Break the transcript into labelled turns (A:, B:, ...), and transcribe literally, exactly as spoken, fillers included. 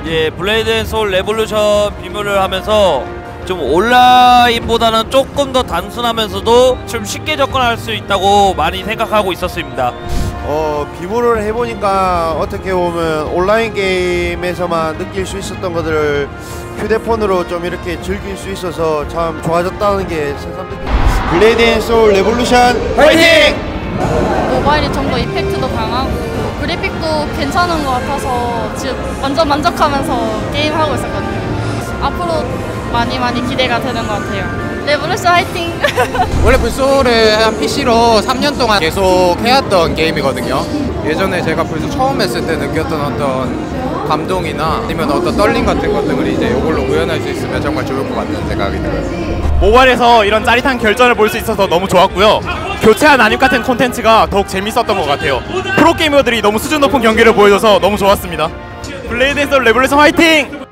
A: 예, 블레이드 앤 소울 레볼루션 비밀을 하면서 좀 온라인보다는 조금 더 단순하면서도 좀 쉽게 접근할 수 있다고 많이 생각하고 있었습니다.
B: 어, 비모를 해보니까 어떻게 보면 온라인 게임에서만 느낄 수 있었던 것들을 휴대폰으로 좀 이렇게 즐길 수 있어서 참 좋아졌다는 게 새삼 느껴집니다. 블레이드 앤 소울 레볼루션 화이팅!
C: 모바일이 좀 더 이펙트도 강하고 그래픽도 괜찮은 것 같아서 지금 완전 만족하면서 게임하고 있었거든요. 앞으로 많이 많이 기대가 되는 것 같아요. 레볼루션 화이팅!
D: 원래 불소를 한 피씨로 삼 년 동안 계속 해왔던 게임이거든요. 예전에 제가 불소 처음 했을 때 느꼈던 어떤 감동이나 아니면 어떤 떨림 같은 것들을 이제 이걸로 구현할 수 있으면 정말 좋을 것 같다는 생각이 들어요.
E: 모바일에서 이런 짜릿한 결전을 볼 수 있어서 너무 좋았고요. 교체한 난입 같은 콘텐츠가 더욱 재밌었던 것 같아요. 프로게이머들이 너무 수준 높은 경기를 보여줘서 너무 좋았습니다. 블레이드 앤 소울 레볼루션 화이팅!